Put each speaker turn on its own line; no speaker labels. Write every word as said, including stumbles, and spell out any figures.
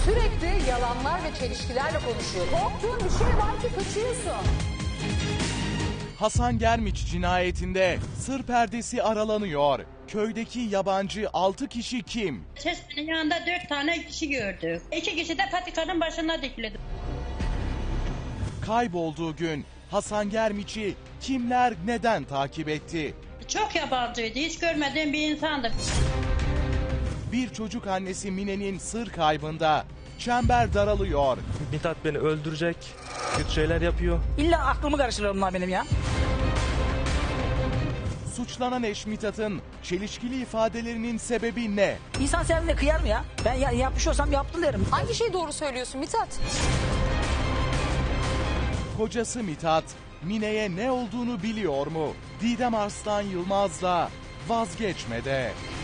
Sürekli yalanlar ve çelişkilerle konuşuyor. Korktuğun bir şey var ki kaçıyorsun.
Hasan Germiç cinayetinde sır perdesi aralanıyor. Köydeki yabancı altı kişi kim?
Çeşmenin yanında dört tane kişi gördük. İki kişi de patikanın başına dikildi.
Kaybolduğu gün Hasan Germiç'i kimler neden takip etti?
Çok yabancıydı. Hiç görmediğim bir insandı.
Bir çocuk annesi Mine'nin sır kaybında çember daralıyor.
Mithat beni öldürecek, kötü şeyler yapıyor.
İlla aklımı karıştırıyor bunlar benim ya.
Suçlanan eş Mithat'ın çelişkili ifadelerinin sebebi ne?
İnsan sevdiğine kıyar mı ya? Ben ya, yapmış olsam yaptım derim.
Hangi şeyi doğru söylüyorsun Mithat?
Kocası Mithat, Mine'ye ne olduğunu biliyor mu? Didem Arslan Yılmaz'la vazgeçmede.